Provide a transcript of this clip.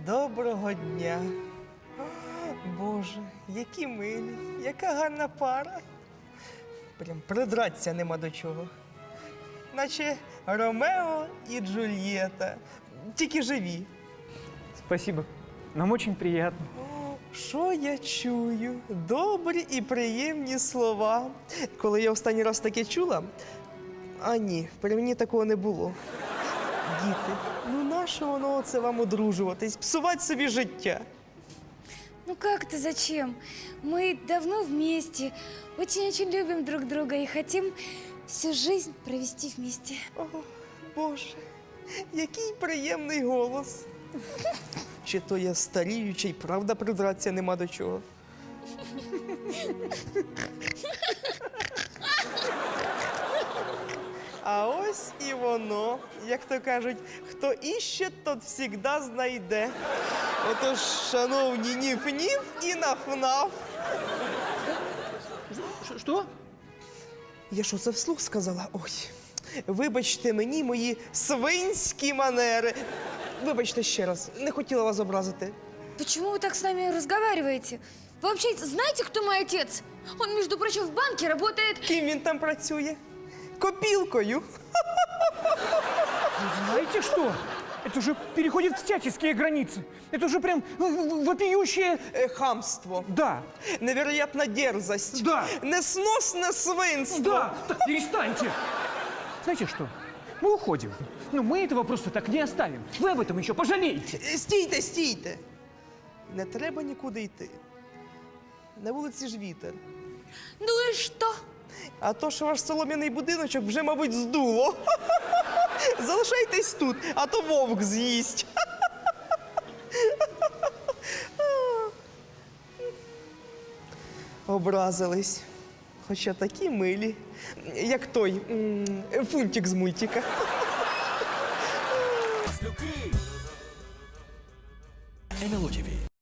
Доброго дня. Боже, які милі, яка гарна пара. Прям придратися нема до чого. Наче Ромео і Джульєта, тільки живі. Спасибо. Нам очень приятно. Що я чую? Добрі і приємні слова. Коли я останній раз таке чула, а ні, при мені такого не було. Діти, ну нащо воно це вам одружуватись, псувати собі життя? Ну как это зачем? Мы давно вместе, очень-очень любим друг друга и хотим всю жизнь провести вместе. О, Боже, який приємний голос. Чи то я старію, чи й правда придратися нема до чого. А ось і воно, як то кажуть, хто іще, тот всігда знайде. Отож, шановні, ніф-ніф і наф-наф. Что? Я що, це вслух сказала? Ой, вибачте мені мої свинські манери. Вибачте ще раз, не хотіла вас образити. Почему вы так с нами разговариваете? Вы вообще знаете, кто мой отец? Он, между прочим, в банке работает. Ким він там працює? Копілкою. Вы знаете что? Это уже переходит всяческие границы. Это уже прям вопиющее... Хамство. Да, Невероятна дерзость. Да. Несносне свинство. да, так перестаньте. Знаете что? Мы уходим. Но мы этого просто так не оставим. Вы об этом еще пожалеете. Стійте, стійте. Не треба нікуди йти. На вулиці ж вітер. Ну и что? А то, що ваш солом'яний будиночок вже, мабуть, здуло. Залишайтесь тут, а то вовк з'їсть. Образились. Хоча такі милі, як той фунтик з мультика. НЛО ТВ.